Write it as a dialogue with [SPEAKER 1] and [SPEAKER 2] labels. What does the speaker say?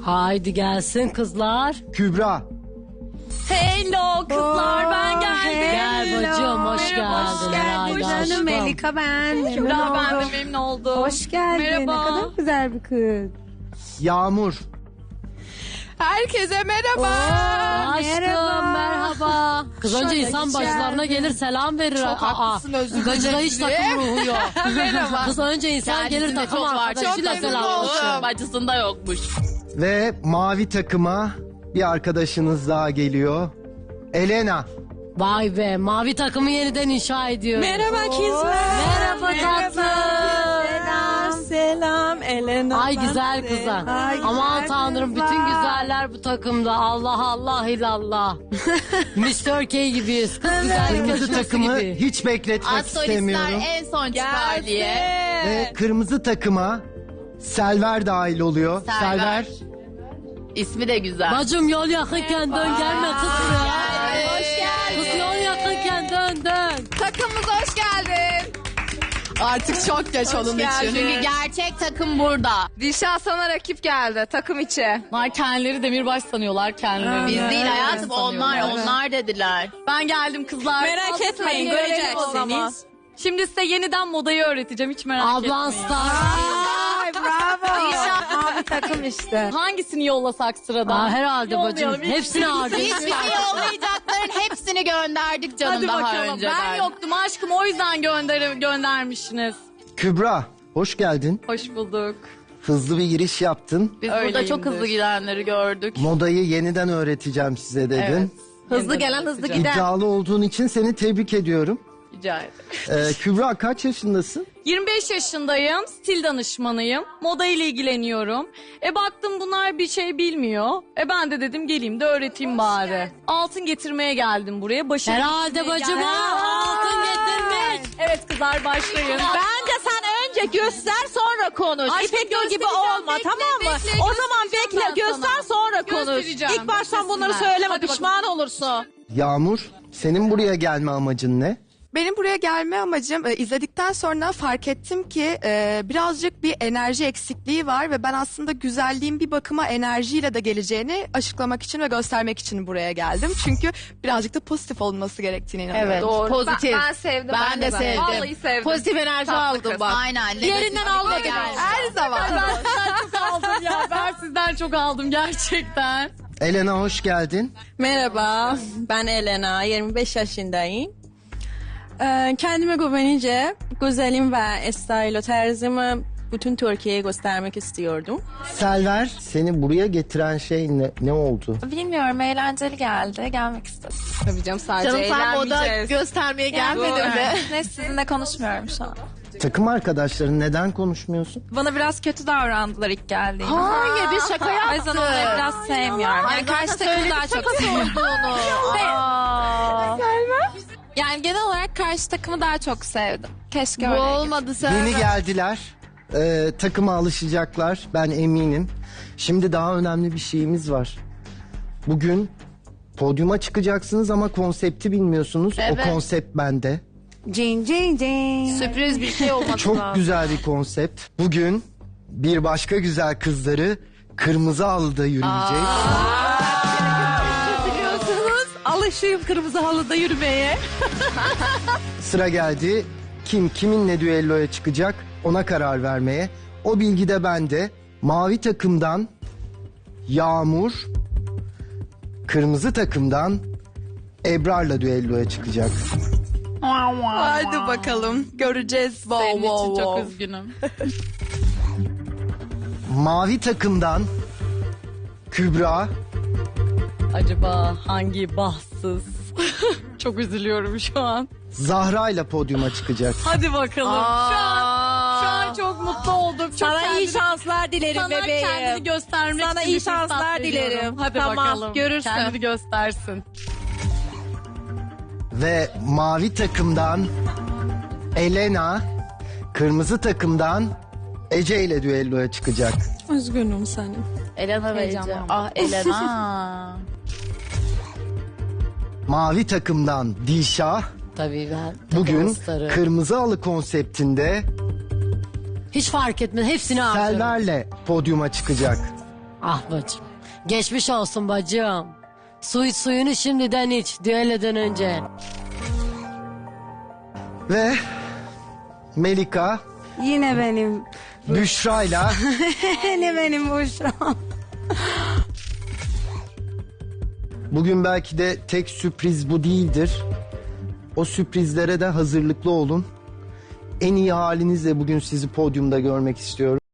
[SPEAKER 1] Haydi gelsin kızlar.
[SPEAKER 2] Kübra.
[SPEAKER 3] Hello kızlar, ben geldim.
[SPEAKER 1] Gel bacım, hoş
[SPEAKER 3] Merhaba,
[SPEAKER 1] geldin.
[SPEAKER 3] hoş
[SPEAKER 1] Herhalde
[SPEAKER 3] geldin.
[SPEAKER 1] aşkım.
[SPEAKER 4] Melika ben.
[SPEAKER 3] Kübra, ben de memnun oldum.
[SPEAKER 4] Hoş geldin.
[SPEAKER 3] Merhaba.
[SPEAKER 4] Ne kadar güzel bir kız.
[SPEAKER 2] Yağmur.
[SPEAKER 3] Herkese merhaba.
[SPEAKER 1] Aşkım merhaba. Kız önce insan başlarına gelir selam verir.
[SPEAKER 3] Çok haklısın, özür
[SPEAKER 1] Gacıda hiç
[SPEAKER 3] dilerim.
[SPEAKER 1] takım ruhu yok.
[SPEAKER 3] Merhaba.
[SPEAKER 1] Kız önce insan gelir takım arkadaşıyla
[SPEAKER 3] Çok memnun
[SPEAKER 1] selamlaşır.
[SPEAKER 3] oldum. Bacısında yokmuş.
[SPEAKER 2] Ve mavi takıma bir arkadaşınız daha geliyor. Elena.
[SPEAKER 1] Vay be, mavi takımı yeniden inşa ediyor.
[SPEAKER 3] Merhaba kızlar.
[SPEAKER 1] Merhaba tatlım.
[SPEAKER 3] Selam Elena.
[SPEAKER 1] Ay güzel kızlar.
[SPEAKER 4] Ay,
[SPEAKER 1] Aman
[SPEAKER 4] güzel
[SPEAKER 1] tanrım
[SPEAKER 4] kızlar.
[SPEAKER 1] bütün güzeller bu takımda. Allah Allah illallah. Mr. K gibiyiz. Kız güzellik
[SPEAKER 2] Kırmızı
[SPEAKER 1] yarışması
[SPEAKER 2] takımı
[SPEAKER 1] gibi.
[SPEAKER 2] hiç bekletmek istemiyorum.
[SPEAKER 3] en son çıkar diye.
[SPEAKER 2] Ve kırmızı takıma Selver dahil oluyor.
[SPEAKER 3] Selver. İsmi de güzel.
[SPEAKER 1] Bacım yol yakınken dön gelme kız buraya.
[SPEAKER 3] Hoş geldin.
[SPEAKER 1] Kız yol yakınken dön.
[SPEAKER 3] Takımımıza hoş geldin. Artık çok geç onun için. Çünkü gerçek takım burada.
[SPEAKER 5] Dilşah sana rakip geldi takım içi.
[SPEAKER 3] Onlar kendileri demirbaş sanıyorlar kendilerini. Biz değil hayatım, onlar dediler. Ben geldim kızlar.
[SPEAKER 6] Merak etmeyin,
[SPEAKER 3] Hadi görelim
[SPEAKER 6] göreceksiniz. Şimdi size yeniden modayı öğreteceğim, hiç merak
[SPEAKER 1] Ablan
[SPEAKER 6] etmeyin.
[SPEAKER 1] star.
[SPEAKER 4] Ay bravo. Mavi takım işte.
[SPEAKER 6] Hangisini yollasak sıradan?
[SPEAKER 1] Aa, herhalde bacım.
[SPEAKER 6] Yollayalım.
[SPEAKER 1] Hepsini
[SPEAKER 3] Biz
[SPEAKER 1] harcayın.
[SPEAKER 3] bizi yollayacakların hepsini gönderdik canım
[SPEAKER 6] Hadi
[SPEAKER 3] daha
[SPEAKER 6] bakalım.
[SPEAKER 3] önceden.
[SPEAKER 6] Ben yoktum aşkım, o yüzden göndermişsiniz.
[SPEAKER 2] Kübra. Hoş geldin.
[SPEAKER 6] Hoş bulduk.
[SPEAKER 2] Hızlı bir giriş yaptın.
[SPEAKER 3] Biz burada çok hızlı gidenleri gördük.
[SPEAKER 2] Modayı yeniden öğreteceğim size dedin.
[SPEAKER 6] Evet.
[SPEAKER 5] Hızlı gelen hızlı gider.
[SPEAKER 2] İddialı olduğun için seni tebrik ediyorum.
[SPEAKER 6] Rica ederim.
[SPEAKER 2] Kübra kaç yaşındasın?
[SPEAKER 6] 25 yaşındayım, stil danışmanıyım. Moda ile ilgileniyorum. Baktım bunlar bir şey bilmiyor. Ben de dedim geleyim de öğreteyim bari. Altın getirmeye geldim buraya. Başarı
[SPEAKER 1] Herhalde
[SPEAKER 6] getirmeye
[SPEAKER 1] bacım
[SPEAKER 6] geldim.
[SPEAKER 1] ha. Altın getirmiş.
[SPEAKER 6] Evet kızlar, başlayın.
[SPEAKER 5] Bence sen önce göster sonra konuş.
[SPEAKER 6] Aşkım,
[SPEAKER 5] İpek Yol gibi
[SPEAKER 6] göstereceğim.
[SPEAKER 5] olma,
[SPEAKER 6] Bekle,
[SPEAKER 5] tamam mı?
[SPEAKER 6] bekle,
[SPEAKER 5] O zaman
[SPEAKER 6] göstereceğim
[SPEAKER 5] bekle
[SPEAKER 6] ben
[SPEAKER 5] göster
[SPEAKER 6] sana.
[SPEAKER 5] sonra konuş.
[SPEAKER 6] Göstereceğim,
[SPEAKER 5] İlk baştan bunları
[SPEAKER 6] göstersinler.
[SPEAKER 5] söyleme,
[SPEAKER 6] Hadi
[SPEAKER 5] pişman olursun.
[SPEAKER 2] Yağmur, senin buraya gelme amacın ne?
[SPEAKER 7] Benim buraya gelme amacım izledikten sonra fark ettim ki birazcık bir enerji eksikliği var ve ben aslında güzelliğin bir bakıma enerjiyle de geleceğini açıklamak için ve göstermek için buraya geldim. Çünkü birazcık da pozitif olması gerektiğine inanıyorum.
[SPEAKER 3] Evet,
[SPEAKER 5] Doğru.
[SPEAKER 3] pozitif.
[SPEAKER 5] Ben sevdim.
[SPEAKER 3] Ben de sevdim.
[SPEAKER 5] Vallahi sevdim.
[SPEAKER 3] Pozitif enerji aldım bak. Aynen.
[SPEAKER 5] Diğerinden alma
[SPEAKER 3] geldi.
[SPEAKER 7] Her zaman.
[SPEAKER 6] Ben sizden çok aldım ya. Ben sizden çok aldım gerçekten.
[SPEAKER 2] Elena hoş geldin.
[SPEAKER 8] Merhaba, ben Elena, 25 yaşındayım. Kendime güvenince güzelim ve style tarzımı bütün Türkiye'ye göstermek istiyordum.
[SPEAKER 2] Selver, seni buraya getiren şey ne oldu?
[SPEAKER 5] Bilmiyorum, eğlenceli geldi. Gelmek istedim.
[SPEAKER 7] Tabii canım, sadece
[SPEAKER 3] Canım sen moda
[SPEAKER 7] eğlenmeyeceğiz.
[SPEAKER 3] göstermeye gelmedin mi?
[SPEAKER 5] Ne, sizinle konuşmuyorum şu an.
[SPEAKER 2] Takım arkadaşların neden konuşmuyorsun?
[SPEAKER 5] Bana biraz kötü davrandılar ilk geldiğimde.
[SPEAKER 3] Hayır, biz şaka
[SPEAKER 5] O
[SPEAKER 3] yaptık.
[SPEAKER 5] yüzden onları biraz sevmiyorum. Yani karşı takımı daha çok
[SPEAKER 3] olduğunu.
[SPEAKER 5] Yani genel olarak karşı takımı daha çok sevdim. Keşke
[SPEAKER 3] Bu
[SPEAKER 5] öyle.
[SPEAKER 3] olmadı sen.
[SPEAKER 2] Yeni geldiler. Takıma alışacaklar. Ben eminim. Şimdi daha önemli bir şeyimiz var. Bugün podyuma çıkacaksınız ama konsepti bilmiyorsunuz.
[SPEAKER 3] Evet.
[SPEAKER 2] O konsept bende.
[SPEAKER 4] Cin cin cin.
[SPEAKER 3] Sürpriz bir şey olmadı.
[SPEAKER 2] Çok güzel bir konsept. Bugün bir başka güzel kızları kırmızı halıda yürüyecek.
[SPEAKER 8] Alışayım kırmızı halıda yürümeye.
[SPEAKER 2] Sıra geldi. Kim kiminle düelloya çıkacak ona karar vermeye. O bilgi de bende. Mavi takımdan Yağmur, kırmızı takımdan Ebrar'la düelloya çıkacak.
[SPEAKER 7] Hadi bakalım. Göreceğiz.
[SPEAKER 6] Senin için çok üzgünüm.
[SPEAKER 2] Mavi takımdan Kübra,
[SPEAKER 6] Acaba hangi bahtsız? Çok üzülüyorum şu an.
[SPEAKER 2] Zahra ile podyuma çıkacak.
[SPEAKER 6] Hadi bakalım. Şu an çok mutlu oldum. Çok
[SPEAKER 8] Sana iyi
[SPEAKER 6] kendini-
[SPEAKER 8] şanslar dilerim
[SPEAKER 6] Sana
[SPEAKER 8] bebeğim.
[SPEAKER 6] kendini göstermek
[SPEAKER 8] Sana
[SPEAKER 6] için
[SPEAKER 8] iyi
[SPEAKER 6] bir fırsat
[SPEAKER 8] şanslar
[SPEAKER 6] veriyorum.
[SPEAKER 8] dilerim.
[SPEAKER 6] Hadi
[SPEAKER 8] Tamam,
[SPEAKER 6] bakalım.
[SPEAKER 8] görürsün.
[SPEAKER 6] Kendini göstersin.
[SPEAKER 2] Ve mavi takımdan Elena, kırmızı takımdan Ece ile düelloya çıkacak.
[SPEAKER 8] Üzgünüm senin.
[SPEAKER 3] Elena ve Ece. Ah Elena.
[SPEAKER 2] Mavi takımdan Dilşah,
[SPEAKER 1] Tabii ben takımın
[SPEAKER 2] bugün
[SPEAKER 1] starı.
[SPEAKER 2] kırmızı halı konseptinde
[SPEAKER 1] Hiç fark etmez. Hepsini harcarım.
[SPEAKER 2] Selver'le podyuma çıkacak.
[SPEAKER 1] Ah bacım. Geçmiş olsun bacım. Suyunu şimdiden iç düelleden önce.
[SPEAKER 2] Ve Melika
[SPEAKER 4] Yine benim.
[SPEAKER 2] Büşra'yla
[SPEAKER 4] Yine benim Büşra.
[SPEAKER 2] bugün belki de tek sürpriz bu değildir. O sürprizlere de hazırlıklı olun. En iyi halinizle bugün sizi podyumda görmek istiyorum.